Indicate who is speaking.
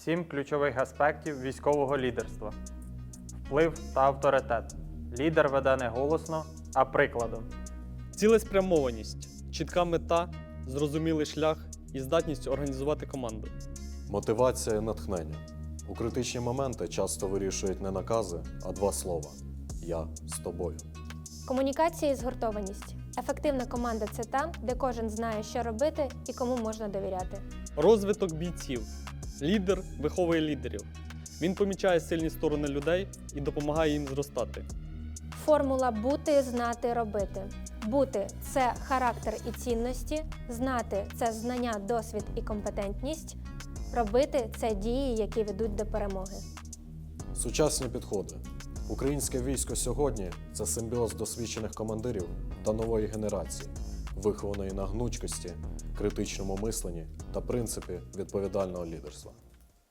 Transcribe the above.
Speaker 1: 7 ключових аспектів військового лідерства. Вплив та авторитет. Лідер веде не голосно, а прикладом.
Speaker 2: Цілеспрямованість, чітка мета, зрозумілий шлях і здатність організувати команду.
Speaker 3: Мотивація і натхнення. У критичні моменти часто вирішують не накази, а два слова «Я з тобою».
Speaker 4: Комунікація і згуртованість. Ефективна команда – це та, де кожен знає, що робити і кому можна довіряти.
Speaker 2: Розвиток бійців. Лідер виховує лідерів. Він помічає сильні сторони людей і допомагає їм зростати.
Speaker 4: Формула бути, знати, робити. Бути – це характер і цінності, знати – це знання, досвід і компетентність, робити – це дії, які ведуть до перемоги.
Speaker 3: Сучасні підходи. Українське військо сьогодні – це симбіоз досвідчених командирів та нової генерації, вихованої на гнучкості, критичному мисленні та принципі відповідального лідерства.